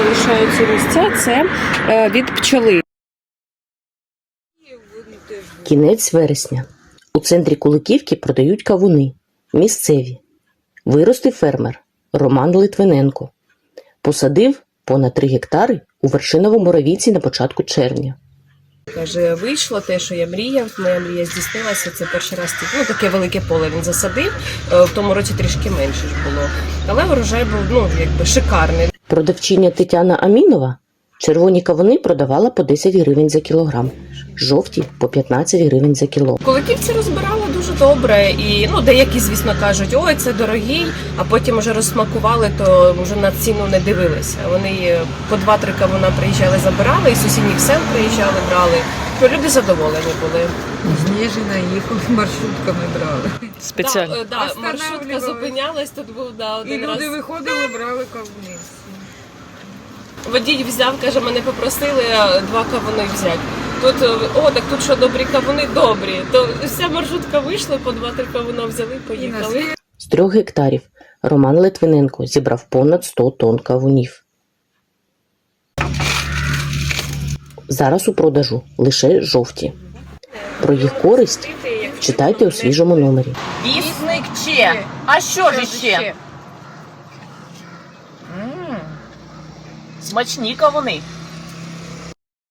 залишаються місця, це від пчоли. Кінець вересня. У центрі Куликівки продають кавуни. Місцеві. Виростив фермер Роман Литвиненко. Посадив понад 3 гектари у Вершиновому Равійці на початку червня. Каже, вийшло те, що я мріяв, моя мрія здійснилася, це перший раз таке велике поле він засадив, в тому році трішки менше ж було, але урожай був шикарний. Продавчиня Тетяна Амінова червоні кавуни продавала по 10 гривень за кілограм, жовті – по 15 гривень за кіло. Куликівці розбирали дуже добре і деякі, звісно, кажуть, ой, це дорогий, а потім вже розсмакували, то вже на ціну не дивилися. Вони по 2-3 кавуна приїжджали, забирали, і сусідніх сел приїжджали, брали. Люди задоволені були. З Ніжина їхали, маршрутками брали. Спеціально? Так, маршрутка зупинялась, тут був один раз. І люди виходили, брали кавуни. Водій взяв, каже, мене попросили 2 кавуни взяти. Тут, так тут що, добрі кавуни? Добрі. То вся маршрутка вийшла, по 2-3 кавуна взяли, поїхали. З 3 гектарів Роман Литвиненко зібрав понад 100 тонн кавунів. Зараз у продажу лише жовті. Про їх користь читайте у свіжому номері. Вісник Че. А що ж ще? Смачні кавуни.